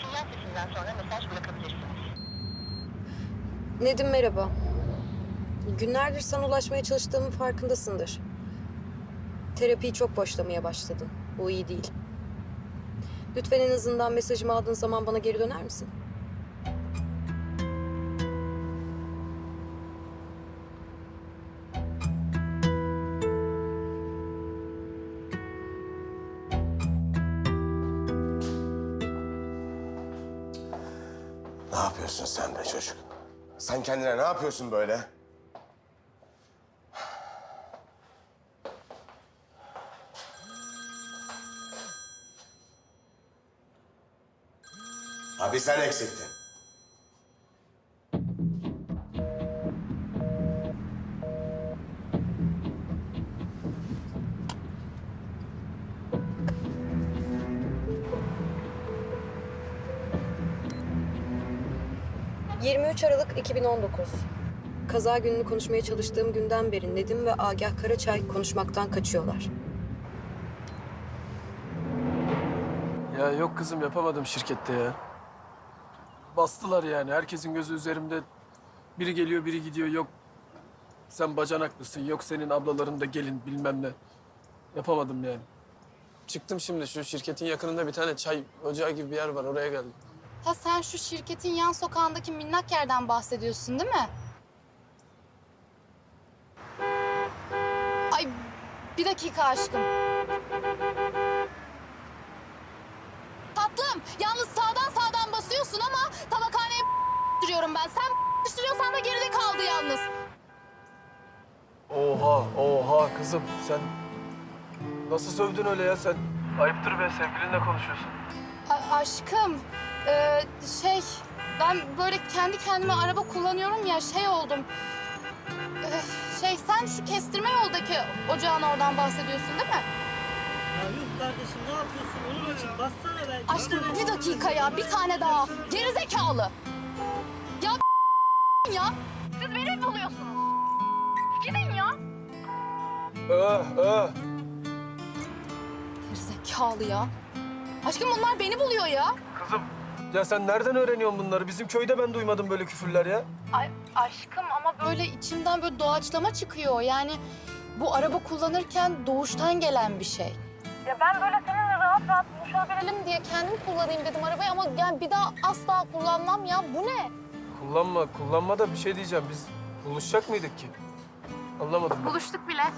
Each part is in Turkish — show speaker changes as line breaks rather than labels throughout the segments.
sinyal sesinden sonra mesaj bırakabilirsiniz.
Nedim merhaba. Günlerdir sana ulaşmaya çalıştığımın farkındasındır. Terapiyi çok boşlamaya başladın. Bu iyi değil. Lütfen en azından mesajımı aldığın zaman bana geri döner misin?
Ne yapıyorsun sen be çocuk? Sen kendine ne yapıyorsun böyle? Abi sen eksiktin.
...23 Aralık 2019. Kaza gününü konuşmaya çalıştığım günden beri Nedim ve Agah Karaçay konuşmaktan kaçıyorlar.
Ya yok kızım yapamadım şirkette ya. Bastılar yani. Herkesin gözü üzerimde. Biri geliyor, biri gidiyor. Yok sen bacanaklısın, yok senin ablaların da gelin bilmem ne. Yapamadım yani. Çıktım şimdi şu şirketin yakınında bir tane çay ocağı gibi bir yer var. Oraya geldim.
Ha sen şu şirketin yan sokağındaki minnak yerden bahsediyorsun değil mi? Ay bir dakika aşkım. Tatlım yalnız sağdan basıyorsun ama tabakhaneye duruyorum ben. Sen sürüyorsan da geride kaldı yalnız.
Oha kızım sen nasıl sövdün öyle ya sen? Ayıptır be, sevgilinle konuşuyorsun.
Aşkım ben böyle kendi kendime araba kullanıyorum ya oldum. Sen şu kestirme yoldaki ocağın oradan bahsediyorsun değil mi?
Ya yuh kardeşim ne yapıyorsun? Olur açık bassana belki.
Aşkım bir dakika ya bir tane daha. Gerizekalı. Ya siz beni mi buluyorsunuz? Gidin ya. Gerizekalı ya. Aşkım bunlar beni buluyor ya.
Kızım ya sen nereden öğreniyorsun bunları? Bizim köyde ben duymadım böyle küfürler ya.
Ay aşkım ama böyle içimden böyle doğaçlama çıkıyor. Yani bu araba kullanırken doğuştan gelen bir şey. Ya ben böyle seninle rahat buluşabilelim diye kendim kullanayım dedim arabayı ama yani bir daha asla kullanmam ya. Bu ne?
Kullanma da bir şey diyeceğim. Biz buluşacak mıydık ki? Anlamadım ben.
Buluştuk bile.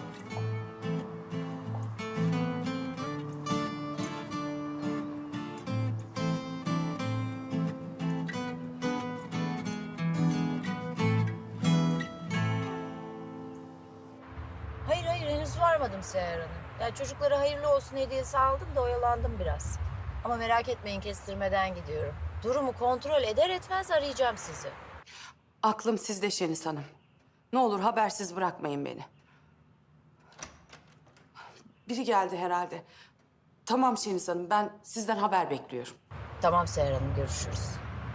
Hayır henüz varmadım Seher Hanım. Yani çocuklara hayırlı olsun hediyesi aldım da oyalandım biraz. Ama merak etmeyin kestirmeden gidiyorum. Durumu kontrol eder etmez arayacağım sizi.
Aklım sizde Şeniz Hanım. Ne olur habersiz bırakmayın beni. Biri geldi herhalde. Tamam Şeniz Hanım, ben sizden haber bekliyorum.
Tamam Seher Hanım görüşürüz.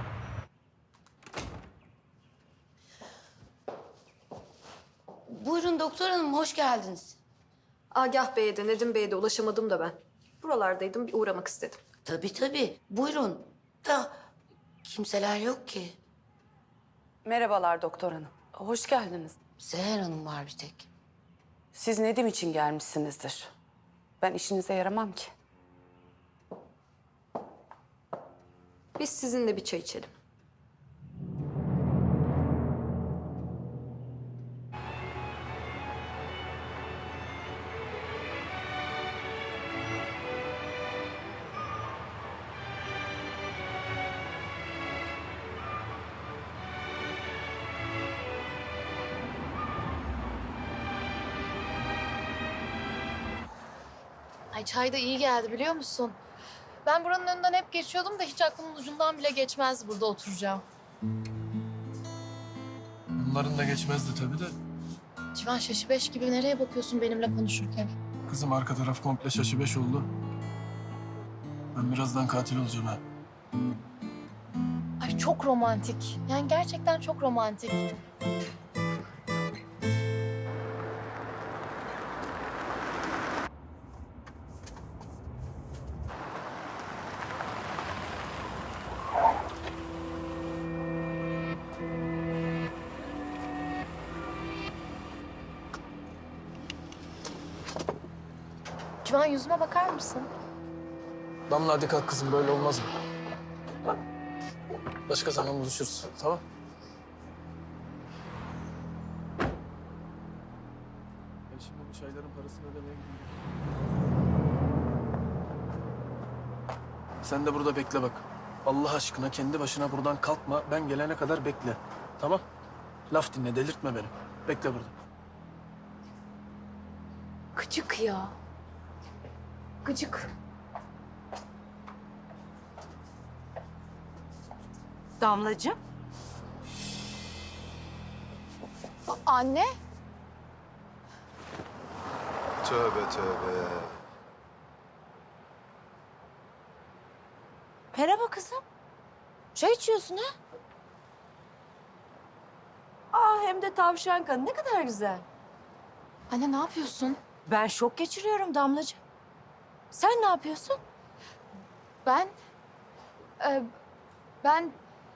Buyurun doktor hanım, hoş geldiniz.
Agah Bey'e de Nedim Bey'e de ulaşamadım da ben. Buralardaydım, bir uğramak istedim.
Tabii, buyurun. Da kimseler yok ki.
Merhabalar doktor hanım. Hoş geldiniz.
Seher hanım var bir tek.
Siz Nedim için gelmişsinizdir. Ben işinize yaramam ki.
Biz sizinle bir çay içelim.
Ay çay da iyi geldi biliyor musun? Ben buranın önünden hep geçiyordum da hiç aklımın ucundan bile geçmez burada oturacağım.
Bunların da geçmezdi tabii de.
Civan şaşı beş gibi nereye bakıyorsun benimle konuşurken?
Kızım arka taraf komple şaşı beş oldu. Ben birazdan katil olacağım ha.
Ay çok romantik. Yani gerçekten çok romantik. Civan yüzüme bakar mısın?
Damla hadi kalk kızım, böyle olmaz mı? Başka zaman buluşuruz, tamam? Ben şimdi bu çayların parasını ödemeye gidiyorum. Sen de burada bekle bak. Allah aşkına kendi başına buradan kalkma. Ben gelene kadar bekle. Tamam? Laf dinle, delirtme beni. Bekle burada.
Gıcık ya. Gıcık.
Damlacığım.
Anne.
Tövbe tövbe.
Merhaba kızım. Çay içiyorsun ha? Aa, hem de tavşan kanı. Ne kadar güzel.
Anne ne yapıyorsun?
Ben şok geçiriyorum Damlacığım. Sen ne yapıyorsun?
Ben... e, ben...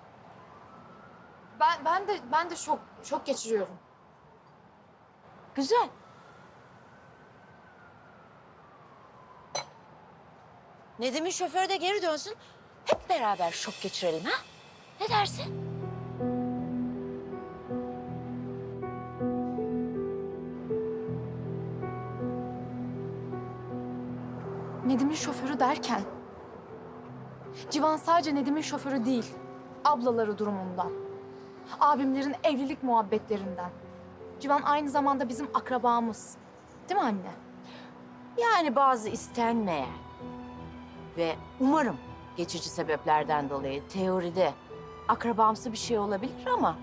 Ben de şok geçiriyorum.
Güzel. Nedim'in şoförü de geri dönsün. Hep beraber şok geçirelim ha? Ne dersin?
Nedim'in şoförü derken... Civan sadece Nedim'in şoförü değil. Ablaları durumundan. Abimlerin evlilik muhabbetlerinden. Civan aynı zamanda bizim akrabamız. Değil mi anne?
Yani bazı istenmeyen ve umarım geçici sebeplerden dolayı teoride akrabamsı bir şey olabilir ama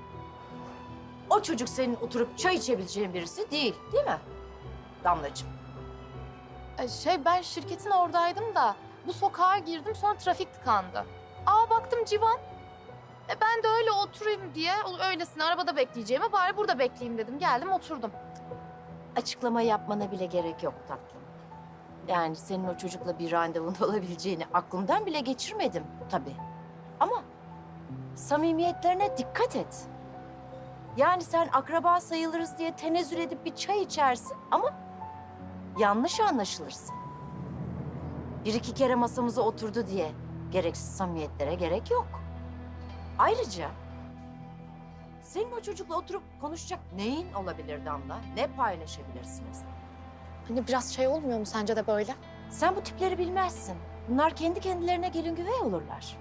o çocuk senin oturup çay içebileceğin birisi değil, değil mi Damlacığım?
Ben şirketin oradaydım da bu sokağa girdim, sonra trafik tıkandı. Baktım Civan. Ben de öyle oturayım diye öylesine arabada bekleyeceğime bari burada bekleyeyim dedim. Geldim oturdum.
Açıklama yapmana bile gerek yok tatlım. Yani senin o çocukla bir randevun olabileceğini aklımdan bile geçirmedim tabii. Ama samimiyetlerine dikkat et. Yani sen akraba sayılırız diye tenezzül edip bir çay içersin ama yanlış anlaşılırsın. Bir iki kere masamıza oturdu diye gereksiz samimiyetlere gerek yok. Ayrıca senin o çocukla oturup konuşacak neyin olabilir Damla? Ne paylaşabilirsiniz?
Hani biraz olmuyor mu sence de böyle?
Sen bu tipleri bilmezsin. Bunlar kendi kendilerine gelin güvey olurlar.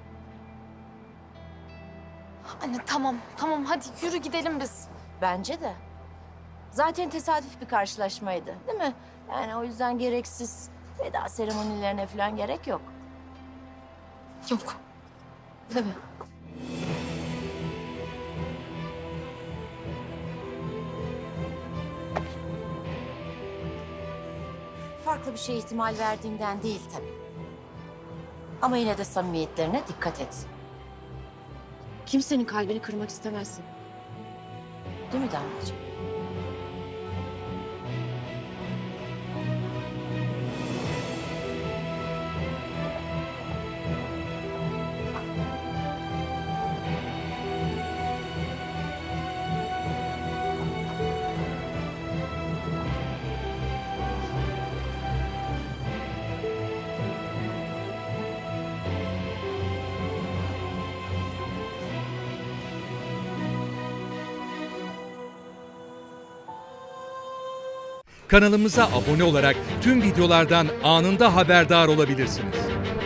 Anne tamam hadi yürü gidelim biz.
Bence de. Zaten tesadüf bir karşılaşmaydı, değil mi? Yani o yüzden gereksiz veda seremonilerine falan gerek yok.
Yok. Tabii.
Farklı bir şey ihtimal verdiğimden değil tabii. Ama yine de samimiyetlerine dikkat et. Kimsenin kalbini kırmak istemezsin. Değil mi Damlacığım?
Kanalımıza abone olarak tüm videolardan anında haberdar olabilirsiniz.